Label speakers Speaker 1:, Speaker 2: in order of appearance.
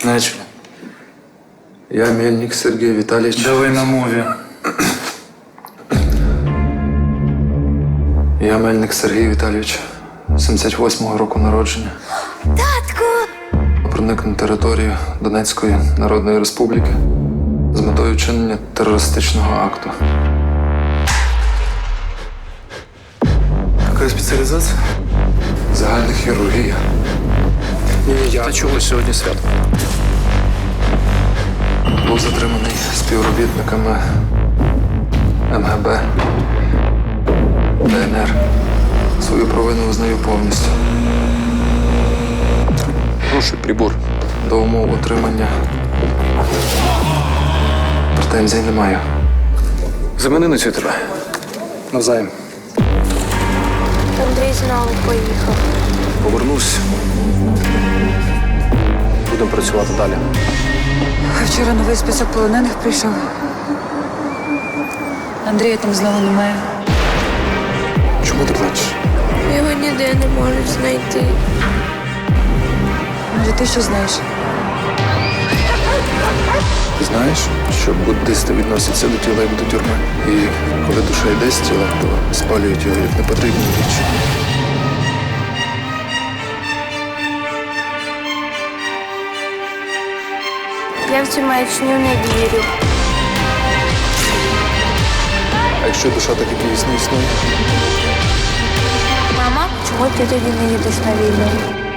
Speaker 1: Начали.
Speaker 2: Я Мельник Сергій Віталійович.
Speaker 1: Давай на мові.
Speaker 2: Я Мельник Сергій Віталійович, 78-го року народження.
Speaker 3: Татку!
Speaker 2: Проник на територію Донецької Народної Республіки з метою вчинення терористичного акту.
Speaker 1: Яка спеціалізація?
Speaker 2: Загальна хірургія.
Speaker 1: Та чого сьогодні свято?
Speaker 2: Був затриманий співробітниками МГБ, ДНР. Свою провину визнаю повністю.
Speaker 1: Хороший прибор.
Speaker 2: До умов утримання претензій не маю.
Speaker 1: Замени на цю тебе. Навзаєм.
Speaker 3: Андрій знову поїхав.
Speaker 1: Повернусь. Будемо працювати далі.
Speaker 4: Вчора новий список полонених прийшов. Андрія там знову немає.
Speaker 1: Чому ти плачеш?
Speaker 3: Його ніде не можуть знайти.
Speaker 4: Може, ти що знаєш?
Speaker 2: Ти знаєш, що буддисти відносяться до тіла як до тюрми. І коли душа йде з тіла, то спалюють його як непотрібну річ.
Speaker 3: Я в цю маячню не вірю.
Speaker 2: А якщо душа так і дійсно існує?
Speaker 3: Мама, чому ти тоді не їдеш на війну?